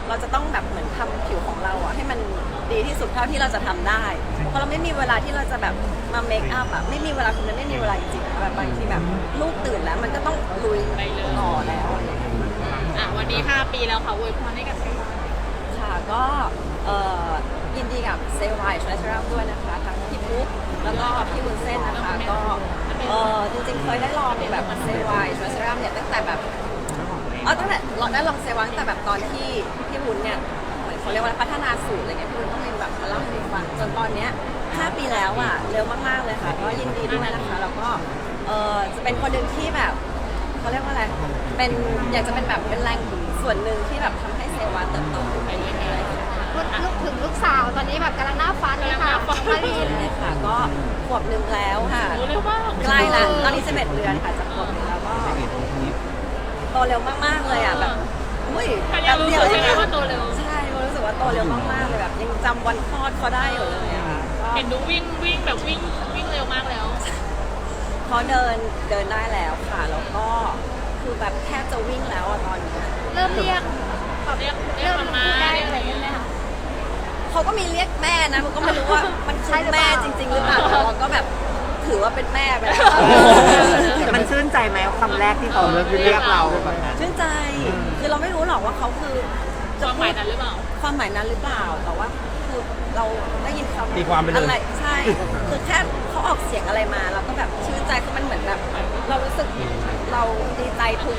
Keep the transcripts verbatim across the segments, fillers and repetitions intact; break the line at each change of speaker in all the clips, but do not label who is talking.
เราจะต้องแบบเหมือนทำผิวของเราอะให้มันดีที่สุดเท่าที่เราจะทำได้เพราะเราไม่มีเวลาที่เราจะแบบมาเมคอัพอะไม่มีเวลาคุณไม่มีเวลาจริงๆแบบบางทีแบบลูกตื่นแล้วมันก็ต้องลุยต่อแล้ว
อ่ะวันนี้ห้าปีแล้วค่ะอวยพรให้กับเซวาย
ค่ะก็ยินดีกับเซวายทรัสเซอร์ด้วยนะคะทั้งพี่ปุ๊กแล้วก็พี่วุ้นเส้นนะคะก็จริงๆเคยได้ลองแบบเซวายทรัสเซอร์เนี่ยตั้งแต่แบบอ๋อตั้งแต่เราได้ลองเซวายตั้งแต่แบบตอนที่พี่วุ้นเนี่ยเหมือนเขาเรียกว่าพัฒนาสูตรอะไรเงี้ยพี่วุ้นก็เลยแบบมาเล่าให้ฟังจนตอนเนี้ยห้าปีแล้วอ่ะเร็วมากๆเลยค่ะก็ยินดีด้วยนะคะแล้วก็จะเป็นคนหนึ่งที่แบบเขาเรียกว่าอะไรเป็นอยากจะเป็นแบบเป็นแรงส่วนหนึ่งที่แบบทำให้เซวาเติบโตไปเรื่อยๆ
ลูกถึงลูกสาวตอนนี้แบบกำลังหน้าฟันเลยค่ะมารีน
เลยค่ะก็ขวบหนึ่งแล้วค่ะใกล้ละตอนนี้สิบเอ็ดเดือนค่ะจะขวบหนึ่งแล้วก็โตเร็วมากๆเลยอ่ะแบบอุ้ย
แป๊บเดียวใช่ไหมว่าโตเร็ว
ใช่รู้สึกว่าโตเร็วมากๆเลยแบบยังจำวันคลอดเขาได้อยู่เลยอะค่ะ
เห็นดูวิ่งวิ่งแบบวิ่งวิ่งเร็วมากแล้ว
เขาเดินเดินได้แล้วค่ะแล้วก็คือแบบแทบจะวิ่งแล้วอะตอนนี้
เริ่มเรียก
เรียกเรียกมา
ได้อะไรไหมคะ
เขาก็มีเรียกแม่นะมันก็ไม่รู้ว่ามันใช่แม่จริงๆหรือเปล่าแต่เราก็แบบถือว่าเป็นแม่ไปแล้ว
มันชื่นใจไหมคำแรกที่เขาเรียกเรา
ชื่นใจคือเราไม่รู้หรอกว่าเขาคือ
ความหมายนั้นหรือเปล่า
ความหมายนั้นหรือเปล่าแต่ว่าคือเราได้ยินเขา
ตีความไปเลย
อะไรใช่คือแค่เขาออกเสียงอะไรมาเราก็แบบชื่นใจคือมันเหมือนแบบเรารู้สึกเราดีใจทุก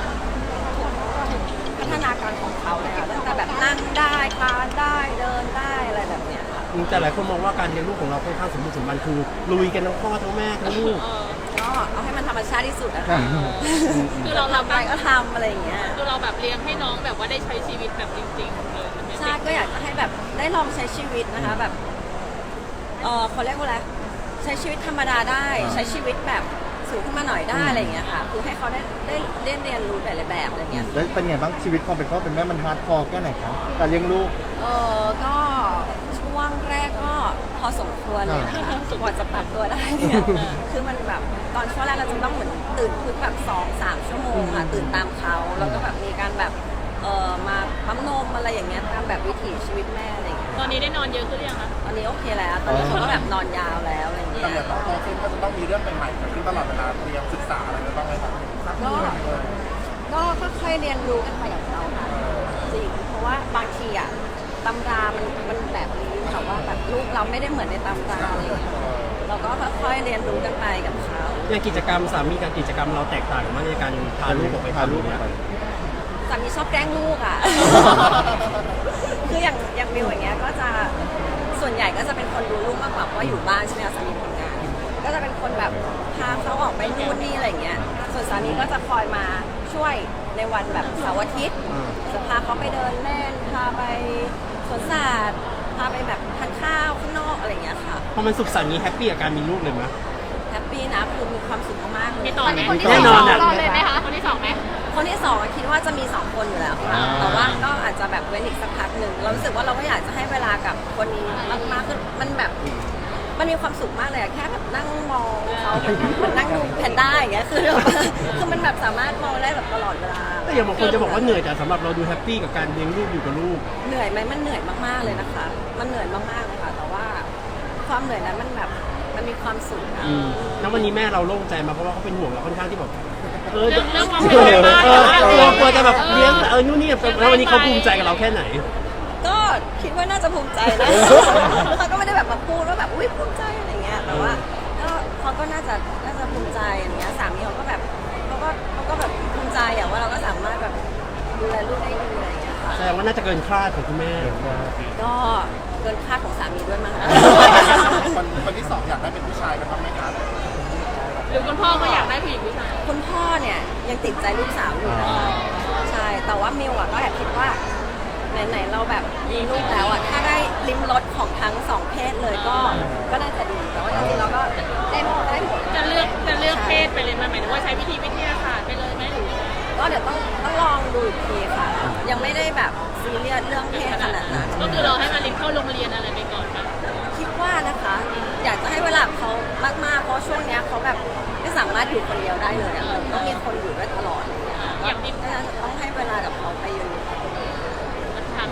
พัฒนาการของเขาเลยค่ะตั้งแต่แบบนั่งได้คลานได้เดินได้อะไรแบบเนี้ยค่ะ
แต่หลายคนมองว่าการเลี้ยงลูกของเราค่อนข้างสมบูรณ์สมบันคือลุยกันทั้งพ่อทั้งแม่ทั้งลูก
ก็เอาให้มันธรรมชาติที่สุดอะค่ะ
คือเรา
ทำอะไรก็ทำอะไรอย่างเงี้ย
คือเราแบบเลี้ยงให้น้องแบบว่าได้ใช้ชีวิตแบบจริงๆเลย
ใช่ก็อยากจะให้แบบได้ลองใช้ชีวิตนะคะแบบเออเขาเรียกว่าอะไรใช้ชีวิตธรรมดาได้ใช้ชีวิตแบบสูงขึ้นมาหน่อยได้อะไรอย่างเงี้ยค่ะคือให้เขาได้ได้เรียนเรียนรู้หลายๆแบบอะไรเงี้ย
แล้วเป็นไงบ้างชีวิตความเป็นพ่อเป็นแม่มันฮาร์ดคอร์แค่ไหนครับการเลี้ยงลูก
เออก็ช่วงแรกก็พอสมควรเลยนะคะกว่าจะปรับตัวได้เนี่ยคือมันแบบตอนช่วงแรกเราจะต้องเหมือนตื่นทุกแบบสองสามชั่วโมงค่ะตื่นตามเขาแล้วก็แบบมีการแบบเออมาปั๊มนมอะไรอย่างเงี้ยตามแบบวิถีชีวิตแม่อะไรอย่างเงี้ย
ตอนนี้ได้นอนเยอะขึ้นหรือยังคะ
ตอนนี้โอเคแล้วตอนนี้เขาก็แบบนอนยาวแล้วอะไรเงี้ย
แต่เดี๋ยวต้องโตขึ้นก็จะต้องมีเรื่องใหม่ๆเกิดขึ้นตลอดเวลาเตรียมศึกษาอะไรบ้างไหมครับ
ก็ก็ค่อยๆเรียนรู้กันไปกับเขาค่ะจริงเพราะว่าบางทีอ่ะตำรามันมันแบบนี้แต่ว่าแบบลูกเราไม่ได้เหมือนในตำราอะไรอย่างเงี้ยเราก็ค่อยๆเรียนรู้กันไปกับเขา
อย่างกิจกรรมสามีกับกิจกรรมเราแตกต่างมากในการพาลูกออกไป
พาลูกออกไป
สามีชอบแกล้งลูกอ่ะ คืออย่างอย่างวิวอย่างเงี้ยก็จะส่วนใหญ่ก็จะเป็นคนดูลูกมากกว่าเพราะว่าอยู่บ้านใช่ไหมคะสามีทำงานก็จะเป็นคนแบบพาเขาออกไปนู่นนี่อะไรเงี้ยส่วนสามีก็จะคอยมาช่วยในวันแบบเสาร์อาทิตย์จะพาเขาไปเดินเล่นพาไปสวนสัตว์พาไปแบบทานข้าวข้างนอกอะไรเงี้ยค่ะ
พอมันสุขสันต์นี้แฮปปี้กับการมีลูกเลยไหม
แฮปปี้นะคือมีความสุขมากเลย
มีต่อไหม
แน่นอนอ่ะ
เลยไหมคะคนที่สองไหม
คนที่สองคิดว่าจะมีสองคนอยู่แล้วค่ะแต่ว่าก็อาจจะแบบเว้นอีกสักพักหนึ่งเรารู้สึกว่าเราก็อยากจะให้เวลากับคนนี้มากๆขึ้นมันแบบมันมีความสุขมากเลยอะแค่แบบนั่งมองเขามันนั่งดูแพนด้าอย่างเงี้ยคือคือมันแบบสามารถมองได้แบบตลอดเวลา
แต่อย่างบางคนจะบอกว่าเหนื่อยแต่สำหรับเราดูแฮปปี้กับการเลี้ยงลูกอยู่กับลูก
เหนื่อยไหมมันเหนื่อยมากๆเลยนะคะมันเหนื่อยมากๆเลยค่ะแต่ว่าความเหนื่อยนั้นมันแบบมันมีความสุขนะ
แล้ววันนี้แม่เราโล่งใจมาเพราะว่าเขาเป็นห่วงเราค่อนข้างที่แบบ
เออเรื่องความเป็นไปได้
กลัวจะแบบเลี้ยงเออนู่นนี่แล้ววันนี้เขาภูมิใจกับเราแค่ไหน
ก็คิดว่าน่าจะภูมิใจนะเขาก็ไม่ได้แบบมาพูดว่าแบบอุ้ยภูมิใจอะไรเงี้ยแต่ว่าก็เขาก็น่าจะน่าจะภูมิใจอย่างเงี้ยสามีเขาก็แบบเขาก็เขาก็แบบภูมิใจอย่างว่าเราก็สามารถแบบดูแลลูกได้ดีอะไรเงี้ยค่ะ
แสดงว่าน่าจะเกินคาดของคุณแม่
ก็เกินคาดของสามีด้วยมั้ง
คนคนที่สองอยากได้เป็นผู้ชายนะครับไหมครับ
หรือคุณพ่อก็อยากได้ผู้หญิงผู้ชาย
คุณพ่อเนี่ยยังติดใจลูกสาวอยู่นะคะใช่แต่ว่ามิวอะก็แอบคิดว่าไหนๆเราแบบมีลูกแล้วอ่ะถ้าได้ลิ้มรสของทั้งสองเพศเลยก็ก็น่าจะดีแต่ว่าจริงๆเราก็ได้หมดได้หมด
จะเลือกจะเลือกเพศไปเลยไหมหมายถึงว่าใช้วิธีวิทยาศาสตร์ไปเลยไหมหรือ
ก็เดี๋ยวต้องต้องลองดูอีกทีค่ะยังไม่ได้แบบซีเรียสเรื่องเพศขนาดนั้น
ก็คือเราให้มาลินเข้าโรงเรียนอะไรไปก่อนไหม
คิดว่านะคะอยากจะให้เวลาเขามากๆเพราะช่วงนี้เขาแบบไม่สามารถอยู่คนเดียวได้เลยอะต้องมีคนอยู่ด้วยตลอด
อย่างนี้
ต้องให้เวลากับเขาไปอยู่
ถาม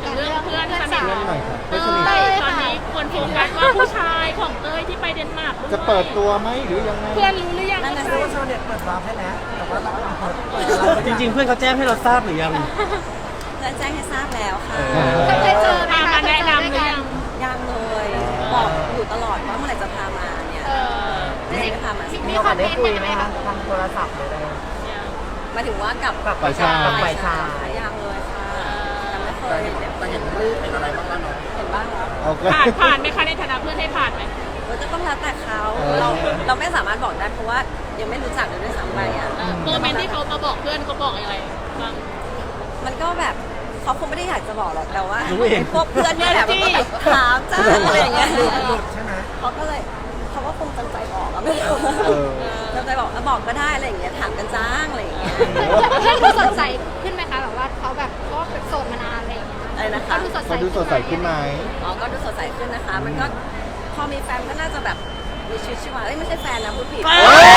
ถึงเรื่องเพื่อนสนิท
เพื่อน
หน่อยครับ
เต้
เพื่อนสนิท
ยตอนนี้คนโฟกัสว่าผู้ชายของเต้ยที่ไปเดนมาร์กด้วย
จะเปิดตัวไหมหรือยังไง
เพื่อนรู้หรือยัง
นั่นน่ะ
ว่า
สิ
ชาวเน็ตเปิดวาร์ปให้แล้วแต่ว่าเราจริงๆเพื่อนเขาแจ้งให้เราทราบหรือยัง
เพื่อนแจ้งให้ทราบแล้วค่ะ
เคยเจอไหม
พา
คะ
มาแนะนำหรือยัง
ยังเลยบอกอยู่ตลอดว่าเมื่อไหร่จะพามาเนี่ย
เออ
ไม่ได้พามา
มีคอมเมนต์
คุย
ยัง
ไหม
ไง
คะ
คะ
ทางโทรศัพท์หรืออะไร
หมายถึงว่ากับ
กับฝ่ายชายกับฝ่ายชาย
ยังเลยค่ะยังไม่เค
แต่
ย
เห็น
เห็น
แต่เห็นรูปเห็นอะไรบ้างแล้วเนาะ
เห็นบ้างแล้ว
โอเค
ผ่านผ่านไหมคะในฐานะเพื่อนให้ผ่านไหม
มันก็ต้องแล้วแต่เขา
เออ
เราเราไม่สามารถบอกได้เพราะว่ายังไม่รู้จักเลยด้วยซ้ำไปอ่ะ
เออโมเมนต์ที่เขามาบอกเพื่อนเขาบอกอะไรบ้าง
มันก็แบบเขาคงไม่ได้อยากจะบอกหรอกแต่ว่า
รู้เอง
ไอ้พวกเพื่อนเนี่ยแหละมันก็แบบถามจ้าอะไรอย่างเงี้ย
ใช่ไหม
เขาก็เลยเขาก็คงจำใจบอกอะไม่รู้
เออ
จำใจบอกแล้วบอกก็ได้อะไรอย่างเงี้ยถามกันจ้างอะไรอย่างเงี้ย
เพื่อนดูสดใสขึ้นไหมคะแบบว่าเขาแบบก็เป็นโสดมานานอะไรอย่างเงี้ย
อะไรนะคะ
เขาดูสดใส
เขาดูสดใสขึ้นไหม
อ๋อก็ดูสดใสขึ้นนะคะ มันก็พอมีแฟนก็น่าจะแบบมีชีวิตชีวาเอ้ยไม่ใช่แฟนนะพูดผิด
เอ้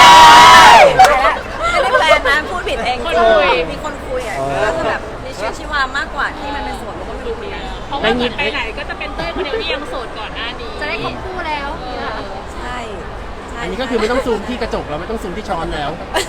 ไม่ได้แฟนนะพูดผิดเอง
คนคุย
มีคนคุยอ่ะ
อ๋อ
ก็จะแบบมีชีวิตชีวามากกว่าที่มันเป็นส่วนมันก็ไม่รู้เหมือนกัน
เพราะว่าเหมือนไปไหนก็จะเป็นเต้ยคนเดียวที่ยังโสดก่อนหน้านี้
จะได้คบคู่แล้วเนี่ยค่ะ
ใช่ใช่
อันนี้ก็คือไม่ต้องซูมที่กระจกแล้วไม่ต้องซูมที่ช้อนแล้ว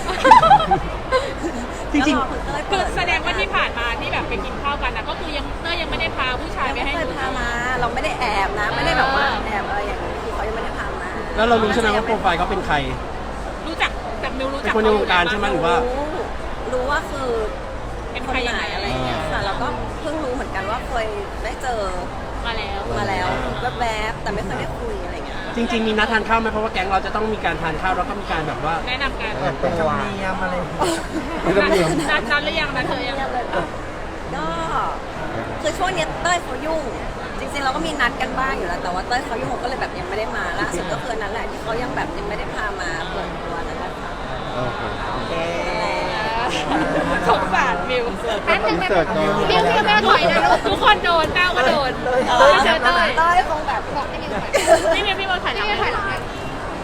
จริง
แล้วอคุณเต้ย
คื
เปิ
อแสดงว่าที่ผ่านมาที่แบบไปกินข้าวกันนะก็คือยังเต้ยยังไม่ได้พาผู้ชาย
ยัง
ไป
ไม่
ให้
เคยพามา เราไม่ได้แอบนะ ไม่ได้แบบว่าแอบอะไรอย่างนี้คือเขายังไม่ได้พามา
ๆ แล้วเรารู้ใช่ไหมว่าโปรไฟล์เขาเป็นใคร
รู้จักจากมิวรู้
เป็
จั
น
ก
คนในวงการใช่ไหมหรือว่า
รู้รู้ว่าคือ
เป็น
ค
ใคร
น
ยัง
ไหน
ไง
อะ
อะไร ไร
อย่างเงี้ย
เงี้ย
ค่ะแล้วก็เพิ่งรู้เหมือนกันว่าเคยได้เจอ
มาแล้ว
มาแล้วแวบๆแต่ไม่เคยได้คุยอะไรเงี้ย
จริง ๆ มีนัดทานข้าวไหมเพราะว่าแก๊งเราจะต้องมีการทานข้าวแล้วก็มีการแบบว่า
แนะนำกัน
เปิดตัว
ไม่ต้องเรียน
นัดนัดหรือยังนัดเธอยัง
ก็คือช่วงเนี้ยเต้ยเขายุ่ง จริงๆเราก็มีนัดกันบ้างอยู่แล้วแต่ว่าเต้ยเขายุ่งก็เลยแบบยังไม่ได้มาล่าสุดก็คือนั้นแหละที่เขายังแบบยังไม่ได้พามาเปิดตัวนั่นแหละค่ะ
โอเค
โอเค
สงสารมิว
แป๊บนึง
อินเสิร์ตหน่อย
มิวมิวแม่ถอยนะลูก
ทุกคนโดนก้าวก็โดน
เออ
เจอเต้ย
เต้ยคงแบบ
บอกให้มิวถอย
พี่มิวพี่มิวถ่ายหลัง
พี่มิวถอยหลังให้